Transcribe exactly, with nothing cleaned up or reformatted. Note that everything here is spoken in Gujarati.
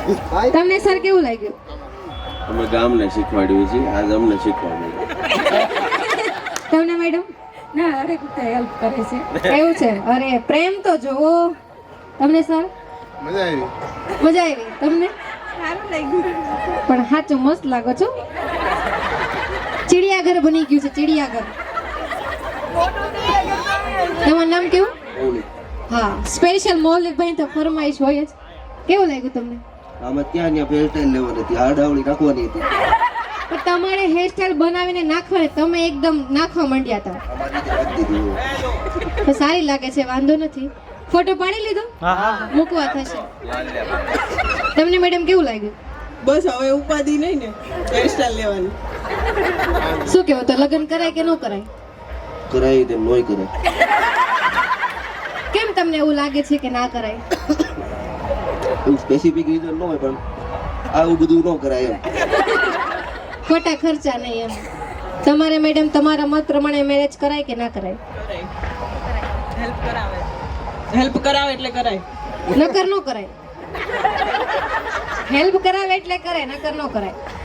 તમને સર કેવું લાગ્યું? અમે ગામને શીખવાડ્યું છે, આજ અમને શીખવાડ્યું. તમને મેડમ? ના હરેક રીતે હેલ્પ કરે છે. એવું છે? અરે પ્રેમ તો જોવો. તમને સર? મજા આવી. મજા આવી. તમને? સારું લાગ્યું. પણ સાચું મસ્ત લાગો છો. ચિડિયાઘર બની ગયું છે, ચિડિયાઘર. તમારું નામ કેવું? હા, સ્પેશિયલ મૌલિકભાઈ તો ફરમાઈશ હોય જ. કેવું લાગ્યું તમને? આમાં ત્યાં ત્યાં હેરસ્ટાઈલ લેવાની હતી, આડાવડી નાખવાની હતી. પણ તમારે હેરસ્ટાઈલ બનાવીને નાખવાની, તમે એકદમ નાખવા માંડ્યા હતા. અમારી રીતે રાખી દીધી. તો સારી લાગે છે, વાંધો નથી. ફોટો પાડી લીધો? મૂકવા થશે. તમને મેડમ કેવું લાગ્યું? બસ હવે ઉપાધિ નહીં ને હેરસ્ટાઈલ લેવાની. શું કેવું, તો લગ્ન કરાય કે ન કરાય? કરાવી તેમ નોય કરાય. કેમ તમને એવું લાગે છે કે ના કરાય? એવું સ્પેસિફિક રીઝન ન હોય, પણ આવું બધું ન કરાય એમ. ખોટા ખર્ચા નહીં એમ. તમારે મેડમ તમારા મત પ્રમાણે મેરેજ કરાય કે ના કરાય? હેલ્પ કરાવે હેલ્પ કરાવે એટલે કરાય. નકર ન કરાય. હેલ્પ કરાવે એટલે કરે, નકર ન કરાય.